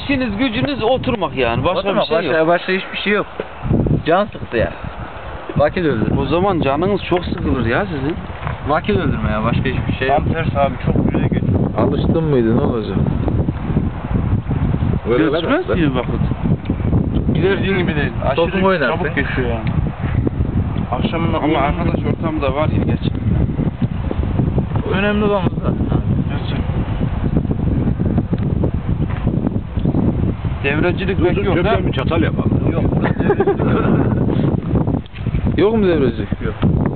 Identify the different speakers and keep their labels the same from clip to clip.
Speaker 1: işiniz gücünüz oturmak yani. Başka bir şey yok.
Speaker 2: Başka hiçbir şey yok. Can sıktı ya. Vakit öldürme.
Speaker 1: O zaman canınız çok sıkılır ya sizin.
Speaker 2: Vakit öldürme ya. Başka hiçbir şey yok.
Speaker 3: Tam tersi abi, çok güzel geçiyor.
Speaker 4: Alıştın mıydı, ne olacak?
Speaker 1: Geçmez ki vakit.
Speaker 3: Giderdiğin gibi değil.
Speaker 2: Topun
Speaker 3: Aşırı
Speaker 2: oynar
Speaker 3: çabuk
Speaker 2: be.
Speaker 3: geçiyor yani. Akşamında
Speaker 1: Ama arkadaş ortamı da var ya geç.
Speaker 2: Önemli olan bu zaten.
Speaker 1: Devrecilik pek yok ha.
Speaker 3: Köpeğe bir çatal yapalım.
Speaker 2: Yok.
Speaker 4: Yok mu devreci?
Speaker 2: Yok.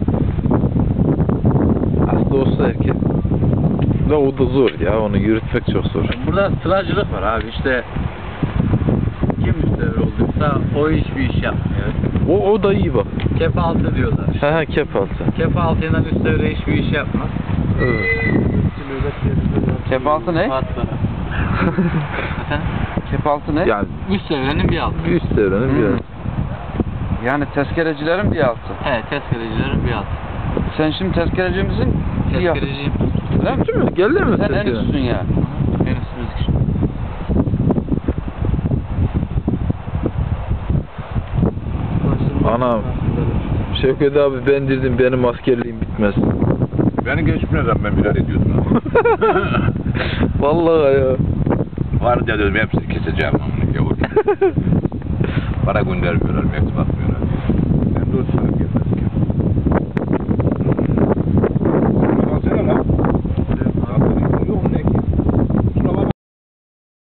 Speaker 4: Aslında olsa erkek. Da o da zor ya, onu yürütmek çok zor.
Speaker 2: Burada sıracılık var abi, işte kim müstevir olduysa o hiçbir iş yapmıyor.
Speaker 4: O da iyi bak.
Speaker 2: Kep altı diyorlar.
Speaker 4: He kep altı.
Speaker 2: Kep altıyla müstevire hiçbir iş yapmaz.
Speaker 4: Evet.
Speaker 1: Kepaltı ne? Kepaltı ne?
Speaker 4: Yani
Speaker 2: Müstevirenin bir altı.
Speaker 4: üst devrenin bir
Speaker 1: Hı.
Speaker 4: yanı.
Speaker 1: Yani tezkerecilerin bir altı.
Speaker 2: He, tezkerecilerin bir altı.
Speaker 1: Sen şimdi tezkereci misin? Bir altı.
Speaker 2: Tezkereciyim.
Speaker 1: Öyle mi?
Speaker 4: Değil mi? Geldi mi?
Speaker 1: Sen en
Speaker 4: tezkere?
Speaker 1: üstüsün ya.
Speaker 2: En üstümüz kişi.
Speaker 4: Anam. Şevket abi ben dedim benim askerliğim bitmez.
Speaker 3: Beni geçmeden ben birer ediyordum.
Speaker 4: Vallahi ya.
Speaker 3: Var ya dedim, hepsini keseceğim. Yavur. Para göndermiyorlar, mektup atmıyorlar. Ben de o sana geldim.